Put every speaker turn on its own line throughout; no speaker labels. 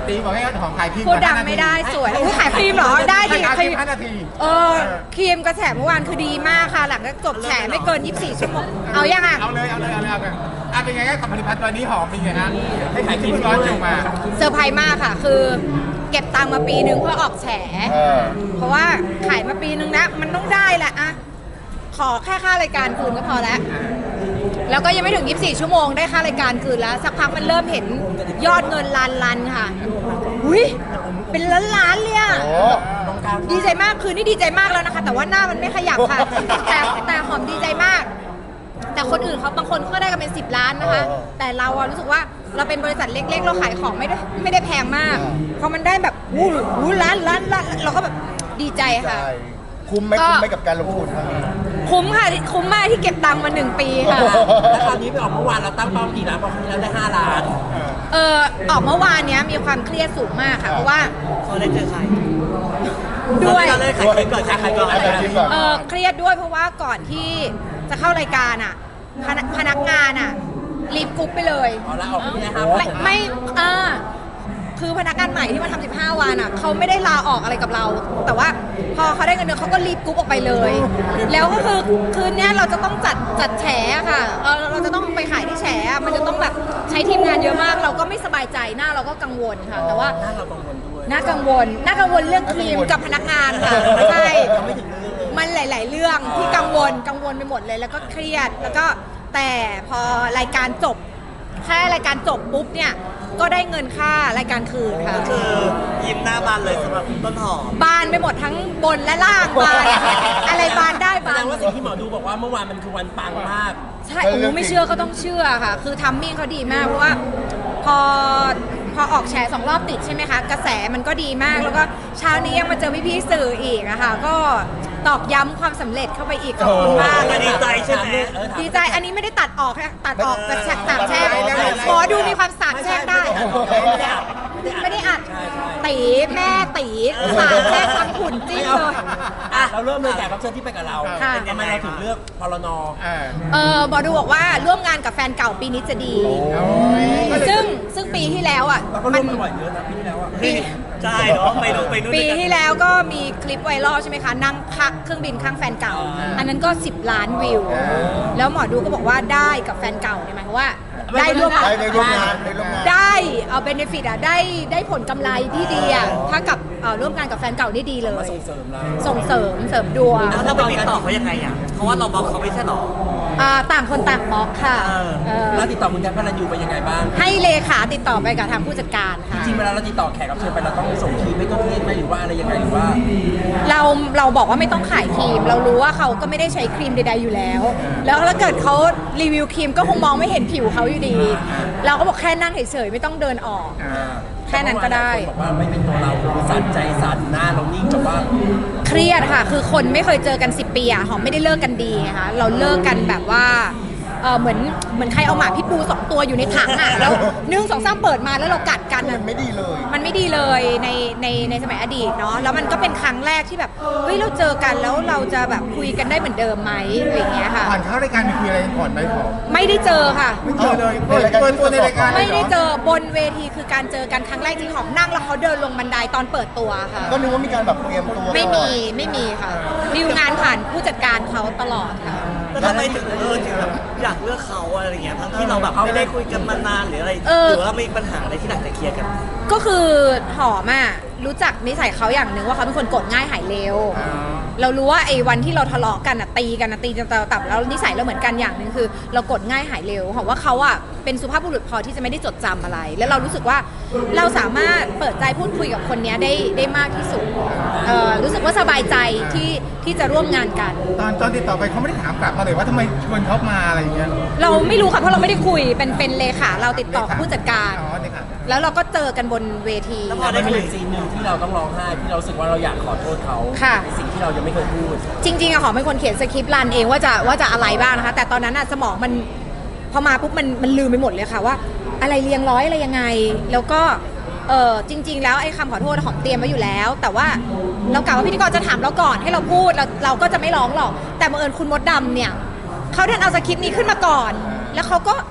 ตีบอกให้ของขายครีม
พูดดังไม่ได้สวยขายครีมเหรอได้ดิครีม
5 นาที
ครีมกระแสเมื่อวานคือดีมากค่ะหลังจากจบแฉไม่เกิน24 ชั่วโมงเอายังอ่ะ
เอาเลยเป็นไงกับผลิตภัณฑ์ตัวนี้หอมเป็นไงฮะให้ขายครีมร้อนออกมา
เซอร์ไพรส์มากค่ะคือเก็บตังค์มาปีนึงเพื่อออกแฉเพราะว่าขายมาปีนึงนะมันต้องได้แหละอะขอแค่ค่ารายการคืนก็พอแล้วก็ยังไม่ถึง24 ชั่วโมงได้ค่ารายการคืนแล้วสักพักมันเริ่มเห็นยอดเงินล้านค่ะอุ้ยเป็นล้านเลยอะดีใจมากคืนนี้ดีใจมากแล้วนะคะแต่ว่าหน้ามันไม่ขยับค่ะแต่หอมดีใจมากแต่คนอื่นเขาบางคนก็ได้กันเป็น10 ล้านนะคะแต่เราอะรู้สึกว่าเราเป็นบริษัทเล็กๆเราขายของไม่ได้แพงมากพอมันได้แบบล้านเราก็แบบดีใจค่ะ
คุ้มไหมกับการลงทุนครั้งนี้
คุ้มค่ะคุ้มมากที่เก็บตังค์มา1 ปีค่ะ
แล้วคราวนี้ไปออกเมื่อวานเราตั้งเป้ากี่ล้านพอครั้งนี้เราได้5 ล้าน
ออกเมื่อวานเนี้ยมีความเครียดสูงมากค่ะเพราะว่า
เขาได้เจอใคร
ด้วย
เราได้ขายคลิปก่อนขายก่อน
เครียดด้วยเพราะว่าก่อนที่จะเข้ารายการอ่ะพนักงานอ่ะรีบกรุ๊ปไปเลย
แล้วออกไม่ได้ครับ
ไม่คือพนักงานใหม่ที่มาทำ15 วันอ่ะเขาไม่ได้ลาออกอะไรกับเรา แต่ว่าพอเขาได้เงินเดือนเขาก็รีบกรุ๊ปออกไปเลย แล้วก็คือคืนนี้เราจะต้องจัดแฉค่ะเราจะต้องไปขายที่แฉมันจะต้องแบบใช้ทีมงานเยอะมากเราก็ไม่สบายใจหน้าเราก็กังวลค่ะแต่ว่า
หน้าเรากังวลด้วย
น่ากังวลเรื่องครีมกับพนักงานค่ะใช่มันหลายๆเรื่องที่กังวลไปหมดเลยแล้วก็เครียดแล้วก็แต่พอรายการจบแค่รายการจบปุ๊บเนี่ยก็ได้เงินค่ารายการคืนค่ะ
คือยิ้มหน้าบานเลยสำหรับต้นหอม
บานไปหมดทั้งบนและล่างบานอะไรบานได้บาน
แสดงว่าสิ่งที่หมอดูบอกว่าเมื่อวานมันคือวันปังมาก
ใช่ไม่เชื่อก็ต้องเชื่อค่ะคือทัมมิ่งเขาดีมากเพราะว่าพอออกแชร์2 รอบติดใช่ไหมคะกระแสมันก็ดีมากแล้วก็เช้านี้ยังมาเจอพี่ๆสื่ออีกอะค่ะก็ตอกย้ำความสำเร็จเข้าไปอีกขอบคุณมาก
ดีใจใช่ไหม
ดีใจอันนี้ไม่ได้ตัดออกค่ะตัดออกแต่สาบแช่งหมอดูมีความสาบแช่งได้ไม่ได้อัดตีแม่ตีสาบแช่งทั้งขุนจิ้มเลย
เราเริ่มเลยแขกรับเชิญที่ไปกับเราทำไมเราถึงเลือกพลน
หมอดูบอกว่าร่วมงานกับแฟนเก่าปีนี้จะดีซึ่งปีที่แล้วอ่ะ
มันบ่อยเยอะนะปีที่แล้วอ่ะใช่เนาะไปนู่น
ปีที่แล้วก็มีคลิปไวรัลใช่ไหมคะนั่งเครื่องบินข้างแฟนเก่าอันนั้นก็10 ล้านวิวแล้วหมอดูก็บอกว่าได้กับแฟนเก่าเนี่ยหมายความว่าได้ร่วมงานได้เอาเบเนฟิตอ่ะได้ผลกำไรที่ดีอ่ะถ้ากับร่วมงานกับแฟนเก่านี่ดีเลยส่งเสริมดวง
แล้วเราไปติดต่อเขายังไงอ่ะเพราะว่าเราบล็อกเขาไม่ใช่หรอ
ต่างคนต่างบล็อกค่ะ
แล้วติดต่อคุณแจ็คพลันยูไปยังไงบ้าง
ให้เลขาติดต่อไปกับทางผู้จัดการค่ะ
จริงๆเวลาเราติดต่อแขกรับเชิญไปเราต้องส่งครีมไม่ก็ครีมไหมหรือว่าอะไรยังไงหรือว่า
เราบอกว่าไม่ต้องขายครีมเรารู้ว่าเขาก็ไม่ได้ใช้ครีมใดๆอยู่แล้วแล้วถ้าเกิดเขารีวิวครีมก็คงมองไม่เห็นผิวเขาอยู่ดีเราก็บอกแค่นั่งเฉยๆไม่ต้องเดินออกแค่นั้นก็ได้
บอกว่าไม่เป็นตัวเราสั่นใจสั่นหน้าเรานิ่งแบบว่า
เครียดค่ะคือคนไม่เคยเจอกัน10 ปีอะหอมไม่ได้เลิกกันดีนะคะเราเลิกกันแบบว่าเหมือนใครเอาหมาพิษบู2 ตัวอยู่ในถังอ่ะแล้ว1 2 3เปิดมาแล้วเรากัดกัน
มันไม่ดี
เลยในสมัยอดีตเนาะแล้วมันก็เป็นครั้งแรกที่แบบเฮ้ยเราเจอกันแล้วเราจะแบบคุยกันได้เหมือนเดิมไหมอะไรอย่างเงี้ยค่ะ
ผ่านเข้ารายการมีคุยอะไรกันก่อนไหมผม
ไม่ได้เจอค่ะ
ไม่เจอเลยเปิดตัวในรายการ
ไม่ได้เจอบนเวทีคือการเจอกันครั้งแรกที่หอมนั่งแล้วเขาเดินลงบันไดตอนเปิดตัวค่ะ
ก็นึกว่ามีการแบบเตรียมตัว
ไม่มีค่ะดีลงานผ่านผู้จัดการเขาตลอดค่ะ
แล้วทำไมถึงแบบอยากเลือกเขาอะไรเงี้ยทั้งที่เราแบบไม่ได้คุยกันมานานหรืออะไรหรือว่ามีปัญหาอะไรที่อยากจะเคลียร์กัน
ก็คือหอมอ่ะรู้จักนิสัยเขาอย่างหนึ่งว่าเขาเป็นคนโกรธง่ายหายเร็วเรารู้ว่าไอ้วันที่เราทะเลาะกันตีจนตับแล้วนิสัยเราเหมือนกันอย่างหนึ่งคือเราโกรธง่ายหายเร็วหอมว่าเขาอ่ะเป็นสุภาพบุรุษพอที่จะไม่ได้จดจำอะไรแล้วเรารู้สึกว่าเราสามารถเปิดใจพูดคุยกับคนนี้ได้มากที่สุดรู้สึกว่าสบายใจที่จะร่วมงานกัน
ตอนติดต่อไปเขาไม่ได้ถามกลับมาเลยว่าทำไมชวนเขามาอะไรอย่างเงี้ย
เราไม่รู้ค่ะเพราะเราไม่ได้คุยเป็นเลขาเราติดต่อกับผู้จัดการแล้วเราก็เจอกันบนเวที
แล้วพอได้มีซีนหนึ่งที่เราต้องร้องไห้ที่เราสึกว่าเราอยากขอโทษเขาในสิ่งที่เรายังไม่เคยพูด
จริงๆอะหอมเป็นคนเขียนสคริปต์รันเองว่าจะอะไรบ้างนะคะแต่ตอนนั้นอะสมองมันพอมาปุ๊บมันลืมไปหมดเลยค่ะว่าอะไรเรียงร้อยอะไรยังไงแล้วก็จริงๆแล้วไอ้คำขอโทษหอมเตรียมไว้อยู่แล้วแต่ว่าเรากะว่าพิธีกรจะถามเราก่อนให้เราพูดเราก็จะไม่ร้องหรอกแต่บังเอิญคุณมดดำเนี่ยเขาดันเอาสคริปต์นี้ขึ้นมาก่อนแล้วเขาก็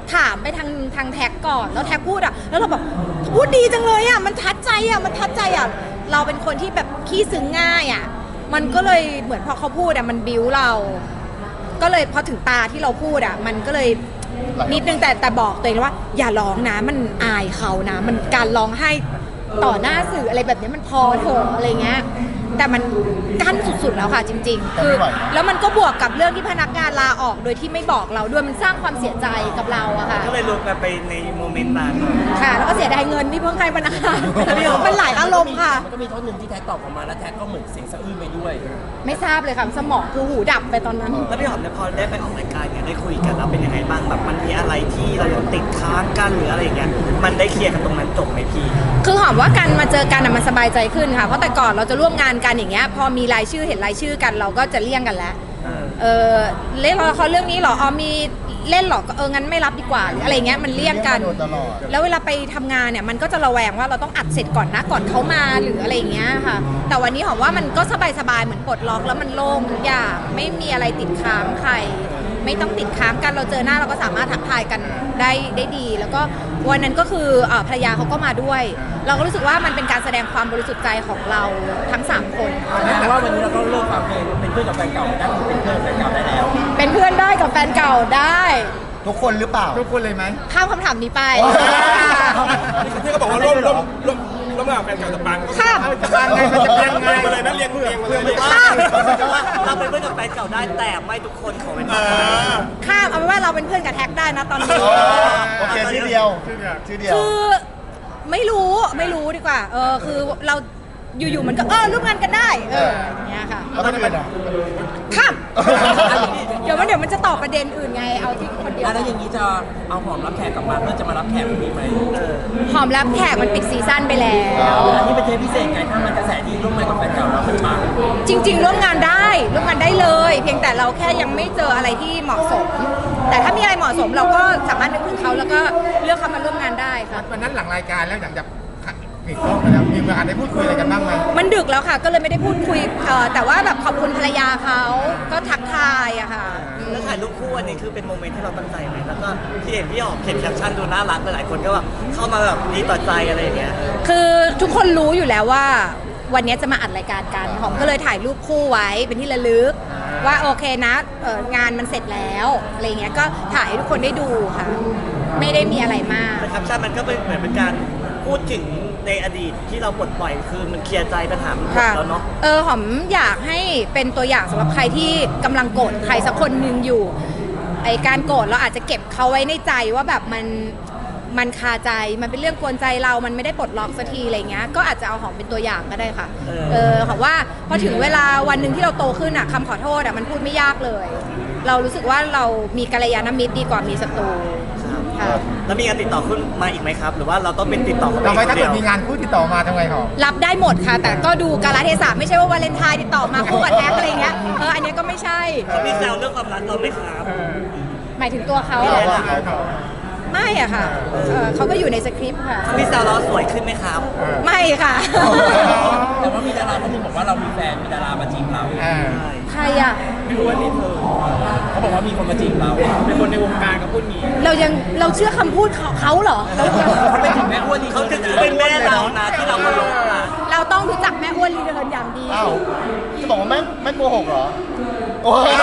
ถามไปทางแท็กก่อนแล้วแท็กพูดอ่ะแล้วเราแบบพูดดีจังเลยอ่ะมันทัดใจอ่ะเราเป็นคนที่แบบขี้ซึ้งง่ายอ่ะมันก็เลยเหมือนพอเขาพูดอ่ะมันบิ้วเรา ก็เลยพอถึงตาที่เราพูดอ่ะมันก็เลยนิดนึงแต่บอกตัวเองว่าอย่าร้องนะมันอายเขานะมันการร้องไห้ต่อหน้าสื่ออะไรแบบนี้มันพอเถอะอะไรเงี้ยแต่มันกั้นสุดๆแล้วค่ะจริงๆคือแล้วมันก็บวกกับเรื่องที่พนักงานลาออกโดยที่ไม่บอกเราด้วยมันสร้างความเสียใจกับเราอะค่ะ
ก็เลยรวมกันไปในโมเมนต์นั้น
ค่ะแล้วก็เสียดายเงินที่เพิ่งให้พนักงานมันหลายอารมณ์ค่ะ
มันก็มีท่อนหนึ่งที่แท็กตอบออกมาแล้วแท็กก็เหมือนเสียงสะอื้นไปด้วย
ไม่ทราบเลยค่ะสมองคือหูดับไปตอนนั้น
แล้วพี่หอมเนี่ยพอได้ไปออกรายการเนี่ยได้คุยกันแล้วเป็นยังไงบ้างแบบมันมีอะไรที่เรายังติดค้างกันหรืออะไรอย่างเงี้ยมันได้เคลียร์กันตรงนั้นจบไหมพี่
คือหอมว่าการมาเจอกันอะมันสบายใจขึ้นค่ะเพราะแต่ก่อนเราจะร่วมงานกันอย่างเงี้ยพอมีรายชื่อเห็นรายชื่อกันเราก็จะเลี่ยงกันแล้วเล่นละครเรื่องนี้เหรอมีเล่นเหรองั้นไม่รับดีกว่าหรืออะไรเงี้ยมันเลี่ยงกัน
โดนตลอด
แล้วเวลาไปทำงานเนี่ยมันก็จะระแวงว่าเราต้องอัดเสร็จก่อนนะก่อนเขามาหรืออะไรอย่างเงี้ยค่ะแต่วันนี้หอมว่ามันก็สบายๆเหมือนปลดล็อกแล้วมันโล่งทุกอย่างไม่มีอะไรติดค้างใครไม่ต้องติดค้างกันเราเจอหน้าเราก็สามารถทักทายกันได้ดี แล้วก็วันนั้นก็คือภรรยาเขาก็มาด้วย เราก็รู้สึกว่ามันเป็นการแสดงความบริสุทธิ์ใจของเราทั้ง3 คน
แต่ว่าวันนี้เราก็เลิกความเป็นเพื่อนกับแฟนเก่าได้เป็นเพื่อนกับแฟนเก่าได้แล้ว
เป็นเพื่อนได้กับแฟนเก่าได้
ทุกคนหรือเปล่า
ทุกคนเลยไหม
ข้ามคำถามนี้ไป
ที่เขาบอกว่าร่วมงานกับแฟนเก่าจะปัง
ข้าม
จะปังไงมันจะปังไง
มาเลยนะเรียงมาเลย
ข้าม
เราเป็นเพื่อนกับแฟนเก่าได้แต่ไม่ทุกคนขอเป็น
ข้ามเอาเป็นว่าเราเป็นเพื่อนกับแท็กได้นะตอนนี้
โอเคชื่อเดียวชื่อเดียว
คือไม่รู้ดีกว่าคือเราอยู่ๆมันก็ร่วมงานกันได้อย่างเงี้ยค่ะ
แล้วคนอื่นอ่ะ
ข้ามเดี๋ยวมันจะตอบประเด็นอื่นไงเอาที่คนเดียว
แล้วอย่างนี้จะเอาหอมรับแขกกลับมาเพื่อจะมารับแขกมีไหม
หอมรับแขกมันปิดซีซั่นไปแล้ว
อันนี้เป็นเทปพิเศษไงถ้ามันกระแสดีร่วมงานกับแฟนเก่าแล้วมันปัง
จริงๆร่วมงานได้เลย เพียงแต่เราแค่ยังไม่เจออะไรที่เหมาะสม แต่ถ้ามีอะไรเหมาะสมเราก็สามารถนึกถึงเขาแล้วก็เลือกเขามาร่วมงานได้ค่ะ
วันนั้นหลังรายการแล้วอย่างจะปิดกล้องไปแล้วมีโอกาสได้พูดคุยอะไรกันบ้างไหม
มันดึกแล้วค่ะก็เลยไม่ได้พูดคุยแต่ว่าแบบขอบคุณภรรยาเขาก็ทักทายอะค่ะ
แล้วถ่ายรูปคู่อันนี้คือเป็นโมเมนต์ที่เราตั้งใจไหมแล้วก็ที่เห็นพี่หอมเขียนแคปชั่นดูน่ารักหลายๆคนก็แบบเข้ามาแบบดีต่อใจอะไรอย่างเงี้ย
คือทุกคนรู้อยู่แล้วว่าวันนี้จะมาอัดรายการกันหอมก็เลยถ่ายรูปคู่ไว้เป็นที่ระลึกว่าโอเคนะงานมันเสร็จแล้วอะไรเงี้ยก็ถ่ายให้ทุกคนได้ดูค่ะ ไม่ได้มีอะไรมาก
แต่แคปชั่นมันก็เป็นเหมือนเป็นการพูดถึงในอดีตที่เราปลดปล่อยคือมันเคลียร์ใจปัญหามันหมด
ค่ะ
แล้วเนาะ
หอมอยากให้เป็นตัวอย่างสำหรับใครที่กำลังโกรธใครสักคนหนึ่งอยู่ไอการโกรธเราอาจจะเก็บเขาไว้ในใจว่าแบบมันคาใจมันเป็นเรื่องกวนใจเรามันไม่ได้ปลดล็อกสักทีอะไรเงี้ยก็อาจจะเอาหอมเป็นตัวอย่างก็ได้ค่ะหอมว่าพอถึงเวลาวันหนึ่งที่เราโตขึ้นคำขอโทษมันพูดไม่ยากเลย เรารู้สึกว่าเรามีกัลยาณมิตรดีกว่ามีศัตรูค่ะ
แล้วมีการติดต่อขึ้นมาอีกไหมครับ หรือว่าเราต้องเป็นติดต่อเขา
ต่อไป
ไป
ถ้า
เดี
เกิ
ย
ด
ว
มีงานคู่ติดต่อมาทำไงหอม
รับได้หมดค่ะ แต่ก็ดูกาลเทศะไม่ใช่ว่าวาเลนไทน์ติดต่อมาคู่กับแท็กอะไรเงี้ยอันนี้ก็ไม่ใช่
เขามีแซวเรื่องความรักเราไหมครับ
หมายถึงตัวเขาเหรอไม่อะค่ะเขาก็อยู่ในสคริปต์ค่ะ
เขามีแซวเราสวยขึ้นไหมครับ
ไม่ค่ะ
แต่ว่ามีดาราท่านหนึงบอกว่าเรามีแฟนมีดารามาจีบเรา
ใครอะ
ไม่รู้ว่านี่เธอเขาบอกว่ามีคนมาจีบเราเป็นคนในวงการก็พูดงี้
เราเชื่อคำพูดเขาเหรอ
เขาไปถึงแม่อ้วนนี่
เขาจะถือเป็นแม่เรานะที่เรามาลงนะ
เราต้องรู้จักแม่อ้วนรีเดินอย่างดี
อ้าวจะบอกว่าไม่โกหกเหรอโอ้ย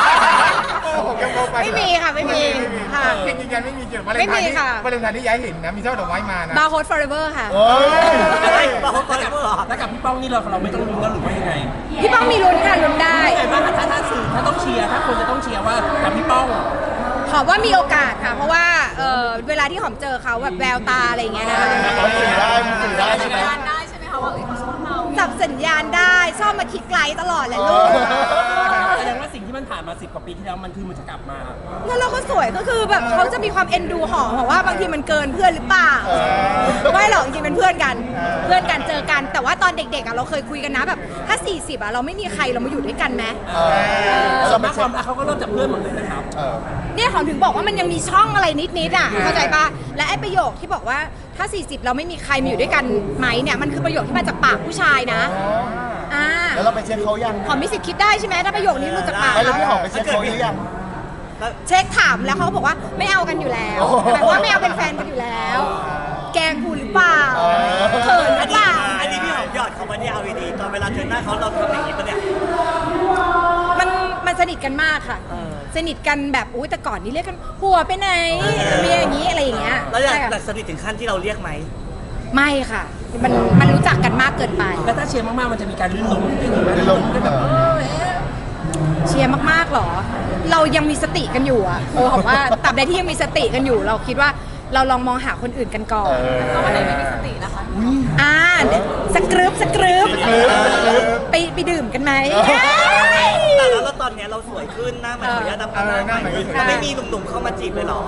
ไม่มีค่ะไม่มีค่ะ
จริงๆไม่มีเกี่ยวกับ
ไม่มีค่ะ
วาเลนไทน์ที่ย้ายเห็นนะมีช่อดอกไม้มานะ
บาร์โฮสฟอร์เอเวอร์ค่ะ
โอ้ย
อะไรบอกเขาก่อนเลยเหรอ
แล้วกับพี่ป้องนี่เราไม่ต้องลุ้นแล้วหรือว่ายังไง
พี่ป้องมีลุ้นค่ะลุ้นได้
ไงบ้างถ้าสื่อถ้าต้องเชียร์ถ้าคนจะต้องเชียร์ว่ากับพี่ป้อง
หอมว่ามีโอกาสค่ะ เพราะว่าเวลาที่หอมเจอเขาแบบแววตาอะไรอย่างเงี้ยนะคะ
มันสื่อได้ใช่ไหม
จับสัญญาณได้ชอบมาคิดไกลตลอดแหละลูก
แสดงว่าสิ่งที่มันผ่านมา10 กว่าปีที่แล้วมันจะกลับมา
แล้วเราก็สวยก็คือแบบเขาจะมีความเอ็นดูหอมบอกว่าบางทีมันเกินเพื่อนหรือเปล่าไม่หรอกจริงๆเป็นเพื่อนกันเจอกัน แต่ว่าตอนเด็กๆเราเคยคุยกันนะแบบถ้า40เราไม่มีใครเรามาอยู่ด้วยกันไหม
ส่วนมากความรักเขาก็เริ่มจากเพื่อนหมดเลยนะครับ
เนี่ยหอมถึงบอกว่ามันยังมีช่องอะไรนิดๆเข้าใจปะและไอ้ประโยคที่บอกว่าถ้า40เราไม่มีใครมาอยู่ด้วยกันไหมเนี่ยมันคือประโยคที่มาจากปากผู้ชายนะ
แล้วเราไปเช็คเขายัง
หอมมีสิทธิ์คิดได้ใช่ไหมถ้าประโยคนี้รู้จากปาก
แล้วพี่หอมไปเช็คเขาหรือยัง
เช็คถามแล้วเขาก็บอกว่าไม่เอากันอยู่แล้วหมายว่าไม่เอาเป็นแฟนกันอยู่แล้ว แกล้งคุณหรือเปล่าเขินหรือเปล่า
อันนี้พี่หอมหยอดเขามาเนี่ยเอาดีๆตอนเวลาเจอหน้าเขาเราทำอย่างนี้ปะเนี่ย
มันสนิทกันมากค่ะ สนิทกันแบบอุ้ยแต่ก่อนนี้เรียกกันหัวไปไหนเมียอย่างนี้อะไรอย่างเงี้ย
แล้วอยาก
ใช่ค่ะ
สนิทถึงขั้นที่เราเรียกไหม
ไม่ค่ะ มันรู้จักกันมากเกินไป
แล้วถ้าเชียร์มากๆมันจะมีการลื่นล้มอย่างนี้ไหม
ลื่นล้ม
ก็แบบ
เชียร์มากๆหรอ เรายังมีสติกันอยู่อะผมว่าตราบใดที่ยังมีสติกันอยู่ เราคิดว่าเราลองมองหาคนอื่นกันก่อนก็วันไหนไม่มีสตินะคะสกรึบไปดื่มกันไหม
แต่แล้วตอนเนี้ยเราสวยขึ้นหน้ามันขออนุญาตดำกันหน้าใหม่เราไม่มีหนุ่มๆเข้ามาจีบเลยเหรอ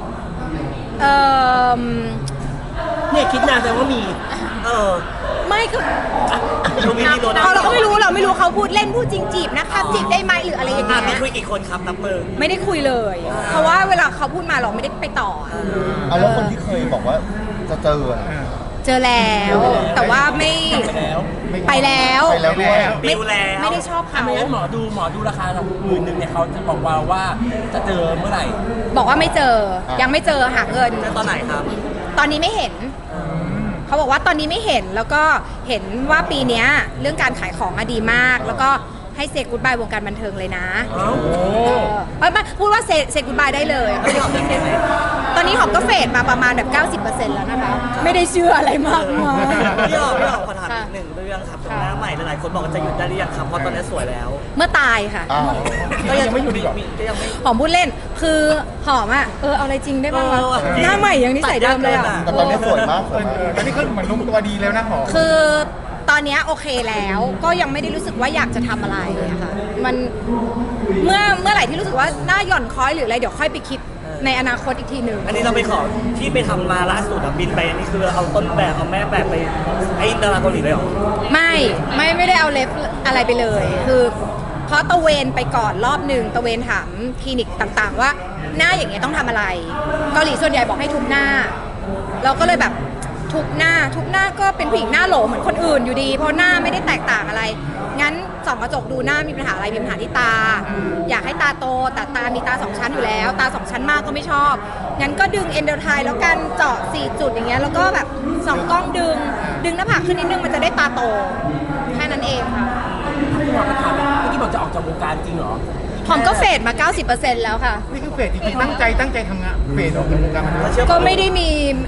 เนี่ยคิดนานแต่ว่ามี
ไม่คือ
เราไม่มีตัวนะ
เราก็ไม่รู้เขาพูดเล่นพูดจริงจีบนะคะจีบได้ไหมหรืออะไรอย่างเงี้
มี
ย
คุยกี่คนครับนับมือ
ไม่ได้คุยเลย เพราะว่าเวลาเขาพูดมาเราไม่ได้ไปต่อ
เอาแล้วคนที่เคยบอกว่าจะเจออะ
เจอแล้ว แต่ว่าไม่ไปแล้ว
ไปแล้วด้วย
ปิวแล้ว
ไม่ได้ชอบเขา
ไม่งั้นหมอดูราคาเรา10,000เนี่ยเขาจะบอกว่าจะเจอเมื่อไหร่
บอกว่าไม่เจอยังไม่เจอหาเงิน
เจอตอนไหนครับ
ตอนนี้ไม่เห็น เขาบอกว่าตอนนี้ไม่เห็นแล้วก็เห็นว่าปีเนี้ยเรื่องการขายของอะดีมาก แล้วก็ให้เซกูดบายวงการบันเทิงเลยนะไม่พูดว่าเซกูดบายได้เลยตอนนี้หอมก็เฟดมาประมาณแบบ 90% แล้วนะคะ ไม่ได้เชื่ออะไรมากมาย
พี่หอมขอถามอีกหนึ่งเรื่องครับตรงหน้าใหม่หลายๆคนบอกว่าจะหยุดได้หรือยังครับเพราะตอนนี้สวยแล้ว
เมื่อตายค่ะ
อ้าว
ก็ยังไม่หยุดอีกก็ยังไม่
หอมพูดเล่นคือหอมอ่ะเอาอะไรจริงได้บ้างวะหน้าใหม่ยังนิสัยเดิมเลยอ่ะ
แต่ตอนนี้สวยมากสวยมาก
ตอนนี้ก็เหมือนลงตัวดีแล้วนะหอม
คือตอนเนี้ยโอเคแล้วก็ยังไม่ได้รู้สึกว่าอยากจะทำอะไรอะค่ะมันเมื่อไหร่ที่รู้สึกว่าหน้าหย่อนคล้อยหรืออะไรเดี๋ยวค่อยไปคิดในอนาคตอีกทีหนึ่ง
อันนี้เราไปขอที่ไปทำมาล่าสุดบินไปอันนี้คือเอาต้นแบบเอาแม่แบบไปไอ้ดาราเกาหลีเลยเหรอ
ไม่ได้เอาเล็บอะไรไปเลย คือเพราะตะเวนไปก่อนรอบหนึ่งตะเวนถามคลินิกต่างๆ ว่าหน้าอย่างเงี้ยต้องทำอะไรเกาหลีส่วนใหญ่บอกให้ทุบหน้า เราก็เลยแบบทุบหน้าก็เป็นผู้หญิงหน้าโหลเหมือนคนอื่นอยู่ดีเพราะหน้าไม่ได้แตกต่างอะไรงั้นส่องกระจกดูหน้ามีปัญหาอะไรมีปัญหาที่ตา อยากให้ตาโตแต่ตามีตา2ชั้นอยู่แล้วตา2ชั้นมากก็ไม่ชอบงั้นก็ดึงเอนโดไทแล้วกันเจาะ4จุดอย่างเงี้ยแล้วก็แบบส่องกล้องดึงหน้าผากขึ้นนิดนึงมันจะได้ตาโตแค่นั้นเองค่ะ
พี่หมอมาถามเมื่อกี้บอกจะออกจากวงการจริงเหรอ
หอมก็เฟดมา 90% แล้วค่ะ
นี่คือเฟสจริงๆตั้งใจทำงานเฟสออกจากวงการบันเทิง
ก็ไม่ได้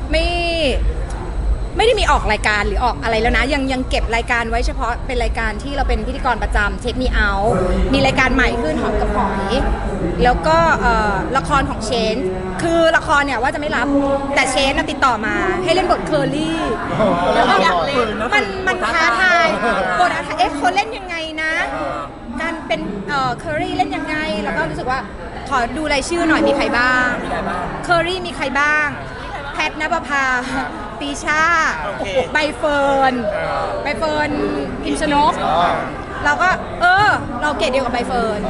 มีออกรายการหรือออกอะไรแล้วนะยังเก็บรายการไว้เฉพาะเป็นรายการที่เราเป็นพิธีกรประจำเช็คมีเอามีรายการใหม่ขึ้นหอมกับหอยแล้วก็ละครของเชนคือละครเนี่ยว่าจะไม่รับแต่เชนติดต่อมาให้เล่นบทเคอรี่แล้วก็อยากเล่นมันท้าทายบทเขาเล่นยังไงนะการเป็นเคอรี่เล่นยังไงแล้วก็รู้สึกว่าขอดูรายชื่อหน่อยมีใครบ้างเคอรี่มีใครบ้างแพทณปภาปีชาใบเฟิร์นพิมชนกเราก็เราเกรดเดียวกับใบเฟิร์น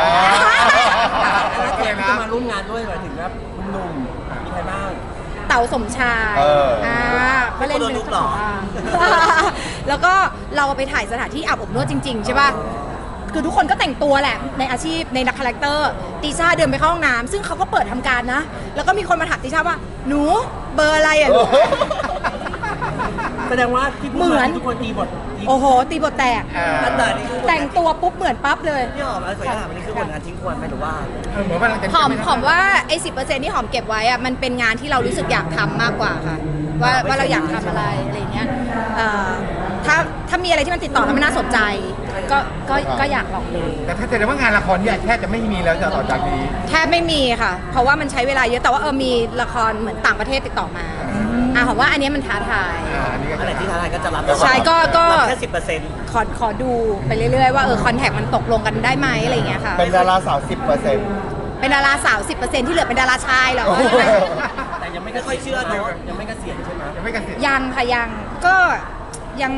แล้วแกที่จะมาร่วมงานด้วยหมายถึงว่าหนุ่มมีใครบ้าง
เต๋าสมชายก็เล่นเป็นหรอแล้วก็เราไปถ่ายสถานที่อาบอบนวดจริงๆใช่ป่ะคือทุกคนก็แต่งตัวแหละในอาชีพในนักคาแรคเตอร์ติช่าเดินไปเข้าห้องน้ำซึ่งเขาก็เปิดทำการนะแล้วก็มีคนมาถามติช่าว่าหนูเบอร์อะไรอ่ะลูก
แสดงว่าที่พูดมาทุกคนตีบท
โอ้โหตีบทแตก
แต่นี่คือ
แต่งตัวปุ๊บเหมือนปั๊บเลย
พี่หอมขออนุญาตถามอันนี้คือผลงานทิ้งควรไหมหรือว่า
เหมือนว่าเราจะ
หอมว่าไอ้10%ที่หอมเก็บไว้อะมันเป็นงานที่เรารู้สึกอยากทำมากกว่าค่ะว่าเราอยากทำอะไรอะไรเงี้ยถ้ามีอะไรที่มันติดต่อแล้วมันน่าสนใจก็อยากลองดู
แต่ถ้าแสดงว่างานละครเนี่ยแทบจะไม่มีแล้วจะต่อจากนี้
แทบไม่มีค่ะ เพราะว่ามันใช้เวลาเยอะแต่ว่ามีละครเหมือนต่างประเทศติดต่อมาหอมว่าอันนี้มันท้าทาย
อันนี้ก็
อันไหนที่ท้าทายก็จะรับ
ใช่ก็
รับแค่10%
ขอดูไปเรื่อยๆว่าคอนแทคมันตกลงกันได้ไหมอะไรเงี้ยค่ะ
เป็นดาราสาว 10%
เป็นดาราสาว 10% ที่เหลือเป็นดาราชายเหรอ
แต่ยังไม่
ไม่ค่อยเชื่อเนอะ
ยังไม่เกษียณใช่ไหม
ยังไม่เกษียณ
ยังค่ะยังก็ยัง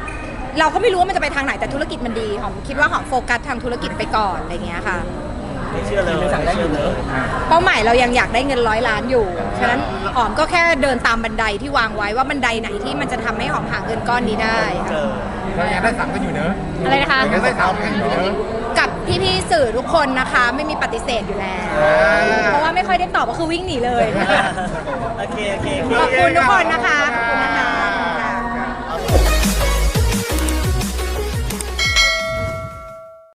เราก็ไม่รู้ว่ามันจะไปทางไหนแต่ธุรกิจมันดีหอมคิดว่าหอมโฟกัสทางธุรกิจไปก่อนอะไรเงี้ยค่ะ
ไม่เชื่อเลยไม่เชื่อเลย
เป้าหมายเรายังอยากได้เงิน100 ล้านอยู่ ฉะนั้นหอมก็แค่เดินตามบันไดที่วางไว้ว่าบันไดไหนที่มันจะทำให้หอมหาเงินก้อนนี้ได้
เจอ
เรายังได้สามกันอยู่เนอะ
อะไรนะคะ
ยังได้สามกันอยู่เนอะ
กับพี่ๆสื่อทุกคนนะคะไม่มีปฏิเสธอยู่แล้ว เพราะว่าไม่ค่อยได้ตอบก็คือวิ่งหนีเลย
โอเค
ขอบคุณทุกคนนะคะ